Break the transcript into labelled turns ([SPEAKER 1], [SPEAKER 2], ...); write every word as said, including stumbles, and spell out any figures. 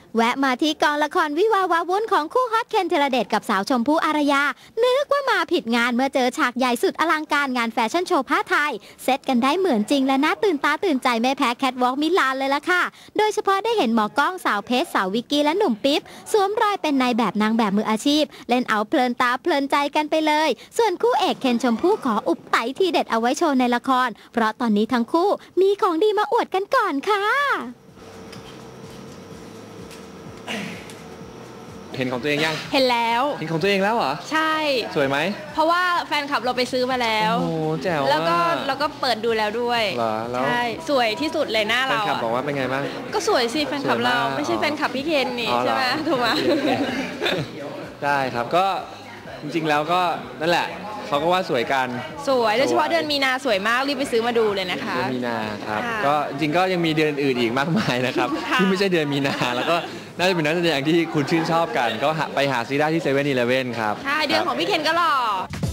[SPEAKER 1] แวะมาที่กองละครวิวาห์วาวุ่นของคู่ฮอตเคนธีรเดชกับสาวชมพู่อารยานึกว่ามาผิดงานเมื่อเจอฉากใหญ่สุดอลังการงานแฟชั่นโชว์ผ้าไทยเซตกันได้เหมือนจริงและน่าตื่นตาตื่นใจไม่แพ้แคทวอล์กมิลานเลยล่ะค่ะโดยเฉพาะได้เห็นหมอกล้องสาวเพชรสาววิกกี้และหนุ่มปิ๊บสวมรอยเป็นนายแบบนางแบบมืออาชีพเล่นเอาเพลินตาเพลินใจกันไปเลยส่วนคู่เอกเคนชมพู่ขออุบไตทีเด็ดเอาไว้โชว์ในละครเพราะตอนนี้ทั้งคู่มีของดีมาอวดกันก่อนค่ะ
[SPEAKER 2] เห็นของตัวเองยัง
[SPEAKER 3] เห็นแล้ว
[SPEAKER 2] เห็นของตัวเองแล้วเหรอ
[SPEAKER 3] ใช่
[SPEAKER 2] สวยไหม
[SPEAKER 3] เพราะว่าแฟนคลับเราไปซื้อมาแล้ว
[SPEAKER 2] โอ้แจ๋ว
[SPEAKER 3] แล้วก็เราก็เปิดดูแล้วด้วย
[SPEAKER 2] เหรอแล้ว
[SPEAKER 3] ใช่สวยที่สุดเลยหน้าเรา
[SPEAKER 2] แฟนคลับบอกว่าเป็นไงบ้าง
[SPEAKER 3] ก็สวยสิแฟนคลับเราไม่ใช่แฟนคลับพี่เคนนี่ใช่ไหมถูกไหม
[SPEAKER 2] ได้ครับก็จริงๆแล้วก็นั่นแหละเขาก็ว่าสวยกัน
[SPEAKER 3] สวยโดยเฉพาะเดือนมีนาสวยมากรีบไปซื้อมาดูเลยนะคะ
[SPEAKER 2] เดือนมีนาครับก็จริงก็ยังมีเดือนอื่นอีกมากมายนะครับที่ไม่ใช่เดือนมีนาแล้วก็น่าจะเป็นนักแสดงที่คุณชื่นชอบกันก็ไปหาซื้อได้ที่เซเว่นอีเลฟเว่นครับ
[SPEAKER 3] ใช่เดือนของพี่เคนก็หล่อ